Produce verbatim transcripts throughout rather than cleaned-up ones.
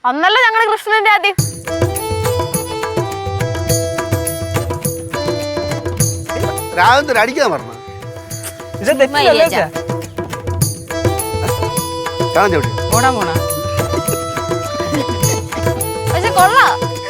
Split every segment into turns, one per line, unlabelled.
അന്നല്ല ഞങ്ങളുടെ കൃഷ്ണന്റെ ആദ്യം.
രാഘവൻ അടിക്കാൻ പറഞ്ഞു
പോണാ പോണാ
പക്ഷെ കൊള്ളാം.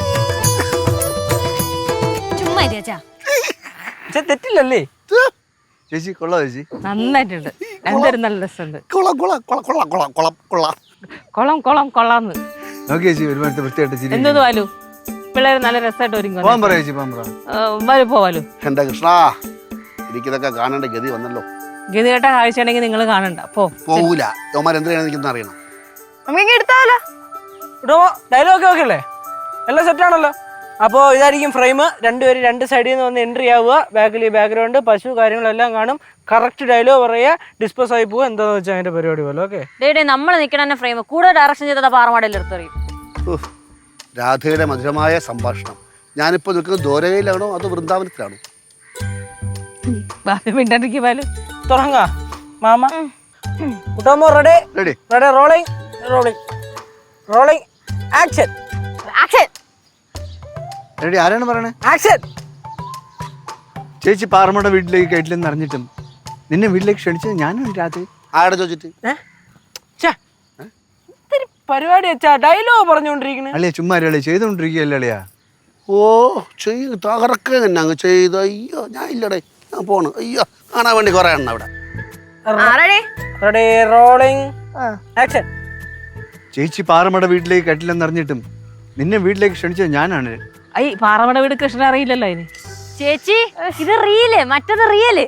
ചുമ്മാ ചേച്ചാ
തെറ്റില്ലല്ലേ
ചേച്ചി കൊള്ളാം ചേച്ചി
നന്നായിട്ടുണ്ട്. എന്തൊരു നല്ല രസമുണ്ട്.
കൊള്ളാം കൊള്ളാം കൊള്ളാം കൊള്ളാം കൊള്ളാം കൊള്ളാം കൊള്ളാം
കൊളം കൊളം കൊള്ളാന്ന്
നോക്കി ചേച്ചി ഒരുപാട് വൃത്തിയായിട്ട് ചിരി
എന്തോ വാലു പിള്ളേര് നല്ല രസമായിട്ട് ഒരുങ്ങി
പോകാൻ പറയാ ചേച്ചി പോകാൻ പറ
വാലു പോവാലു.
എന്റെ കൃഷ്ണ എനിക്കിതൊക്കെ കാണേണ്ട ഗതി വന്നല്ലോ.
ഗതികെട്ട കാഴ്ച ഉണ്ടെങ്കിൽ നിങ്ങൾ കാണണ്ട. പോ
പോവൂല യോമാർ എന്തിനാണ് എനിക്കൊന്നും അറിയണം.
നമുക്ക് എടുത്താലോ?
ഡയലോഗ് ഒക്കെ അല്ലേ എല്ലാം സെറ്റാണല്ലോ. അപ്പോൾ ഇതായിരിക്കും ഫ്രെയിം. രണ്ടുപേരും രണ്ട് സൈഡിൽ നിന്ന് വന്ന് എൻട്രി ആവുക. ബാക്കിൽ ബാക്ക്ഗ്രൗണ്ട് പശു കാര്യങ്ങളെല്ലാം കാണും. കറക്റ്റ് ഡയലോഗ് പറയുക. ഡിസ്പോസ് ആയി പോവുക. എന്താണെന്ന് വെച്ചാൽ അതിന്റെ പരിപാടി പോലെ. ഓക്കെ
ഡേ നമ്മൾ നിൽക്കണ ഫ്രെയിം കൂടെ ഡയറക്ഷൻ ചെയ്ത പാറമാടയിൽ എടുത്തറിയും.
രാധയുടെ മധുരമായ സംഭാഷണം. ഞാനിപ്പോ നിൽക്കുന്നത് ദ്വാരകയിലാണോ അതോ വൃന്ദാവനത്തിലാണോ?
ബാലു മിണ്ടാണ്ടിരിക്കും. ബാലു
തുടങ്ങാ മാമ. Kuttamma ready
ready
ready rolling rolling rolling action
action.
Ready. ആരാണ് പറയണേ?
ആക്ഷൻ.
ചേച്ചി പാറമ്മയുടെ വീട്ടിലേക്ക് കയറ്റില്ലെന്ന് അറിഞ്ഞിട്ടും നിന്നെ വീട്ടിലേക്ക് ക്ഷണിച്ചത് ഞാനാണ് രാത്രി. ആടെ ചോദിച്ചിട്ട്
പരിപാടി വെച്ചാ ഡയലോഗ് പറഞ്ഞുകൊണ്ടിരിക്കണേ.
അളിയ ചുമ്മാ അളിയ ചെയ്തോണ്ടിരിക്കുകയല്ലേ അളിയാ. ഓ ചെയ്ത് തകർക്കുക തന്നെ അങ്ങ് ചെയ്ത്. അയ്യോ ഞാൻ ഇല്ലടേ ഞാൻ പോണ്. അയ്യോ കാണാൻ വേണ്ടി കുറെ എണ്ണ അവിടെ.
Ready rolling action.
ചേച്ചി പാറമ്മയുടെ വീട്ടിലേക്ക് കയറ്റില്ലെന്ന് അറിഞ്ഞിട്ടും നിന്നെ വീട്ടിലേക്ക് ക്ഷണിച്ചത് ഞാനാണ്.
ഐ പാറമട വീട് കൃഷ്ണൻ അറിയില്ലല്ലോ അതിന്.
ചേച്ചി ഇത് റിയല് മറ്റത് റിയല്.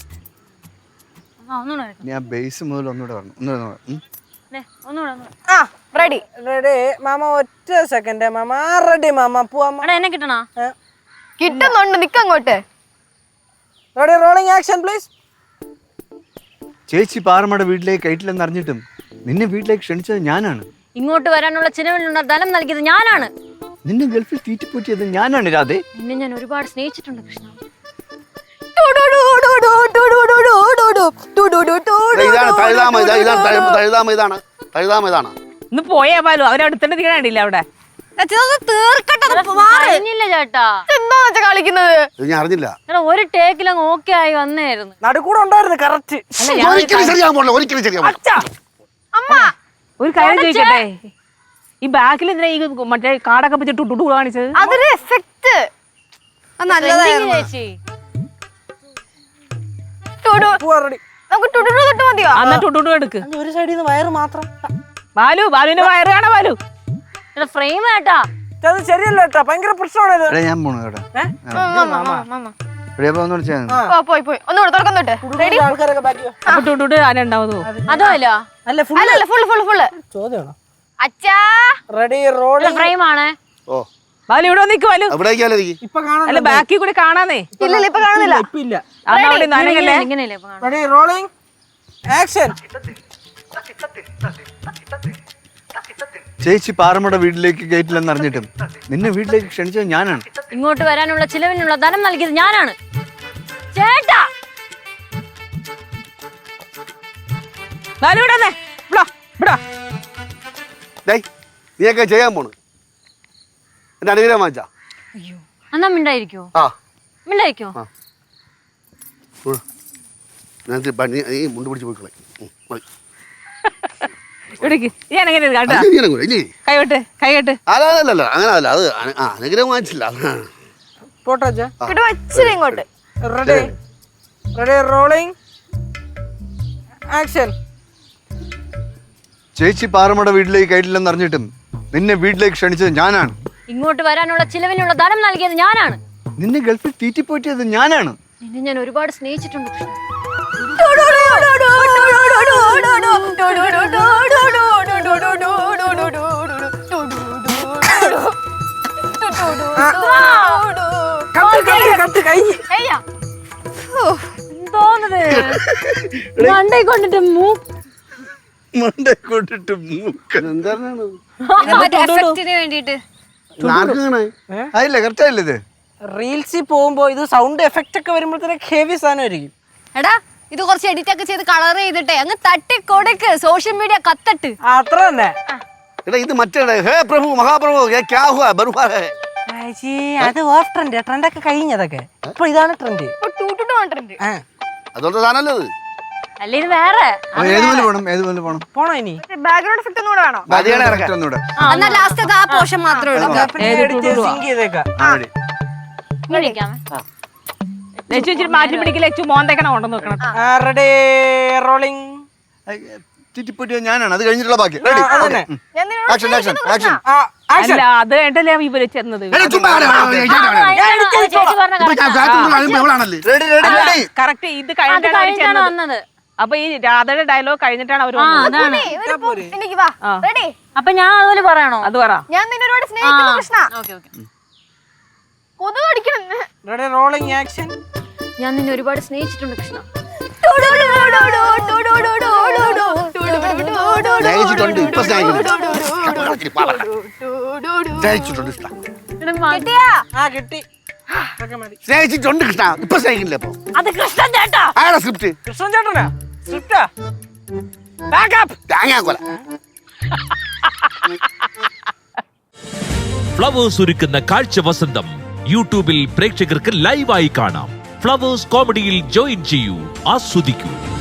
ഞാൻ ബേസ് മുതൽ ഒന്നുകൂടെ പറഞ്ഞു ഒന്നുകൂടെ
ആ റെഡി
റെഡി മാമ. ഒറ്റ സെക്കൻഡ് മാമ. റെഡി മാമ. പോവാ.
എന്നെ കിട്ടണ
കിട്ടുന്നുണ്ട്. നിക്കങ്ങോട്ട്.
Ready rolling action please.
ചേച്ചി പാറമ്മയുടെ വീട്ടിലേക്ക് കയറ്റില്ലെന്ന് അറിഞ്ഞിട്ടും നിന്നെ വീട്ടിലേക്ക് ക്ഷണിച്ചത് ഞാനാണ്.
ഇങ്ങോട്ട് വരാനുള്ള ചിലവിനുള്ള ധനം നൽകിയത് ഞാനാണ്.
നിന്നെ ഗൾഫിൽ തീറ്റിപ്പൂറ്റിയത് ഞാനാണ് രാധേ.
നിന്നെ ഞാൻ ഒരുപാട് സ്നേഹിച്ചിട്ടുണ്ട് കൃഷ്ണ.
ഇന്ന് പോയാ ബാലു അവരടുത്തന്നെ തീരാണ്ടില്ല അവിടെ.
കഴിഞ്ഞില്ല ചേട്ടാ.
എന്താന്ന് വെച്ചാ കളിക്കുന്നത്?
ഞാൻ അറിഞ്ഞില്ല.
എടാ ഒരു ടേക്കിലങ്ങ് ഓക്കെ ആയി വന്നായിരുന്നു.
നടുക്കൂടെ ഉണ്ടായിരുന്നു കറക്റ്റ്.
ഒരിക്കലും ശരിയാൻ പോകില്ല. ഒരിക്കലും ശരിയാൻ
അമ്മ
ഒരു കാര്യം ചോദിക്കട്ടെ, ഈ ബാക്കിൽ എന്തിനാ ഈ മറ്റേ കാടൊക്കെ വെച്ച് ടുട്ടു കാണിച്ചത്?
അതൊരു എഫക്റ്റ്.
ചേച്ചി
നമുക്ക് ടുടു തൊട്ട് മതിയോ?
എന്നാ ടുട്ടു എടുക്ക്.
ഒരു സൈഡിൽ നിന്ന് വയറ് മാത്രം.
ബാലു ബാലുവിന്റെ വയറ് കാണാ ബാലു.
ഫ്രെയിം കേട്ടാ.
അത് ശരിയല്ല കേട്ടാ. ഭയങ്കര പ്രശ്നമാണ് ഇത്.
ഞാൻ പോണു കേട്ടോ.
പോയി പോയി ഒന്നുകൂടെ തുറക്കം തൊട്ട്.
ആൾക്കാരൊക്കെ ബാക്കി
അപ്പൊ ടുട്ടു ആരുണ്ടാവോ?
അതോ അല്ല
അല്ല ഫുൾ
അല്ലല്ല ഫുൾ ഫുൾ ഫുൾ
ചോദ്യമാണോ?
അച്ഛാ
റെഡി റോളിംഗ്
ഫ്രെയിം ആണ്.
ഓ
ബാലു ഇവിടെ നിക്ക് ബാലു.
ഇപ്പൊ കാണാൻ
അല്ല ബാക്കി കൂടി കാണാന്നേ.
ഇല്ലല്ല ഇപ്പൊ കാണുന്നില്ല.
ഇപ്പൊ ഇല്ല.
അവിടെ നനങ്ങല്ലേ.
ഇങ്ങനെയല്ലേ
റെഡി റോളിംഗ് ആക്ഷൻ.
ചേച്ചി പാറമ്മയുടെ വീട്ടിലേക്ക് കയറ്റില്ലെന്ന് അറിഞ്ഞിട്ടും നിന്നെ വീട്ടിലേക്ക് ക്ഷണിച്ചത് ഞാനാണ്.
ഇങ്ങോട്ട് വരാനുള്ള ചിലവിനുള്ള ധനം നൽകിയത് ഞാനാണ് ചേട്ടാ.
ബാലു ഇവിടെ വന്നേ. ഇവിടെ ഇവിടെ
നീയൊക്കെ ചെയ്യാൻ പോണ്. എന്റെ അനുഗ്രഹം വാങ്ങിച്ചാ.
അയ്യോ എന്നാ മിണ്ടായിരിക്കോ?
ആ
മിണ്ടായിരിക്കോ?
നീ മുണ്ട് പിടിച്ച് പോയിക്കളെ.
ഇവിടേക്ക് ഞാൻ എങ്ങനെ കേട്ടാ കൈവിട്ട് കൈകെട്ട്.
അല്ലല്ല അങ്ങനെ അല്ല അത് അനുഗ്രഹം വാങ്ങിച്ചില്ല.
പോട്ടെ
ഇച്ചിരി ഇങ്ങോട്ട്.
Ready ready rolling action.
ചേച്ചി പാറമ്മയുടെ വീട്ടിലേക്ക് കയറ്റില്ലെന്ന് അറിഞ്ഞിട്ടും നിന്നെ വീട്ടിലേക്ക് ക്ഷണിച്ചത് ഞാനാണ്.
ഇങ്ങോട്ട് വരാനുള്ള ചിലവിനുള്ള ധനം നൽകിയത് ഞാനാണ്.
നിന്നെ ഗൾഫിൽ തീറ്റിപ്പോറ്റിയത് ഞാനാണ്.
നിന്നെ ഞാൻ ഒരുപാട് സ്നേഹിച്ചിട്ടുണ്ട് കൃഷ്ണ. എന്തോന്നത് മണ്ടേ കൊണ്ടിട്ട്
കൊണ്ടിട്ട് എന്താണ്
വേണ്ടിട്ട്
ആയില്ലേ കറക്റ്റ് ആയില്ലേ ഇത്?
റീൽസിൽ പോകുമ്പോ ഇത് സൗണ്ട് എഫക്റ്റ് ഒക്കെ വരുമ്പോഴത്തേക്ക് ഹെവി സാധനമായിരിക്കും.
എടാ ഇത് കുറച്ച് എഡിറ്റ് ഒക്കെ ചെയ്ത് കളർ ചെയ്തിട്ടേ അങ്ങ് തട്ടി കൊടുക്ക്. സോഷ്യൽ മീഡിയ കത്തട്ട്.
അത്ര തന്നെ.
എടാ ഇത് മറ്റേ ഹേ പ്രഭു മഹാപ്രഭു ഏ ക്യാ ഹുവാ ബർവാ ഹേ
ചേച്ചി അത് ഓഫ് ട്രെൻഡ് ട്രെൻഡൊക്കെ കഴിഞ്ഞതൊക്കെ ഇപ്പൊ ഇതാണ് ട്രെൻഡ്.
ഇപ്പൊ ടൂ ടു ടു കണ്ടിട്ടുണ്ട്.
അതുകൊണ്ട് സാധനമല്ലേ ഇത്?
അല്ല ഇത് വേറെ
ഏതുപോലെ പോണം ഏതുപോലെ പോണം
പോണോ ഇനി?
ബാക്ക്ഗ്രൗണ്ട് എഫക്റ്റ് ഒന്നുകൂടെ വേണോ?
മതിയാണ് ഇറക്കാൻ.
ഒന്നുകൂടെ
എന്നാ ലാസ്റ്റ് ആ പോർഷൻ മാത്രം എടുക്കാം.
സിങ്ക് ചെയ്തേക്കാം.
ഇങ്ങനെ ഇരിക്കാമേ.
ലച്ചു ഇച്ചിരി മാറ്റി പിടിക്കില്ല, ലച്ചു മോന്തേക്കണ കൊണ്ടെന്ന് നോക്കണം.
Ready rolling.
ചുറ്റിപ്പറ്റി ഞാനാണ് അത് കഴിഞ്ഞിട്ടുള്ള ബാക്കി റെഡി
അതന്നെ.
ഞാൻ നിന്നോട്
ആക്ഷൻ ആക്ഷൻ ആക്ഷൻ
ആ, action.
അല്ല അത് കേട്ടല്ലേ ഇവര് ചെന്നത്.
ചേച്ചി പറഞ്ഞ
റെഡി റെഡി റെഡി
കറക്റ്റ് ഇത്
അത്
കഴിഞ്ഞിട്ടാണ് അവര്
കഴിഞ്ഞാണ്
ചെന്നത്.
വന്നത്.
അപ്പൊ ഈ രാധയുടെ ഡയലോഗ് കഴിഞ്ഞിട്ടാണ് അവര്
ആ
വന്നത്.
അതാണ്.
എനിക്ക് വാ. റെഡി?
അപ്പൊ ഞാൻ അതുപോലെ പറയണോ?
അത് പറ.
ഞാൻ നിന്നെ ഒരുപാട് സ്നേഹിക്കുന്നു കൃഷ്ണ.
Okay okay.
കൊതുക് കടിക്കണം.
Ready rolling action.
ഞാൻ നിന്നെ ഒരുപാട് സ്നേഹിച്ചിട്ടുണ്ട് കൃഷ്ണ.
സ്നേഹിച്ചിട്ടുണ്ട് ഇപ്പൊ സ്നേഹിക്കുന്നു സ്നേഹിച്ചിട്ടുണ്ട് കൃഷ്ണ
കിട്ടിയാ?
ആ കിട്ടി. ഇതൊക്കെ മതി.
സ്നേഹിച്ചിട്ടുണ്ട് കൃഷ്ണ ഇപ്പൊ സ്നേഹിക്കില്ല ഇപ്പൊ
അത് കൃഷ്ണൻ ചേട്ടാ.
ആരാ സ്ക്രിപ്റ്റ്
കൃഷ്ണൻ ചേട്ടനാ സ്ക്രിപ്റ്റാ. ബാക്കപ്പ്.
തേങ്ങാക്കൊല
ഫ്ലവേഴ്സ് ഒരുക്കുന്ന കാഴ്ച വസന്തം യൂട്യൂബിൽ പ്രേക്ഷകർക്ക് ലൈവായി കാണാം. ഫ്ലവേഴ്സ് കോമഡിയിൽ ജോയിൻ ചെയ്യൂ, ആസ്വദിക്കൂ.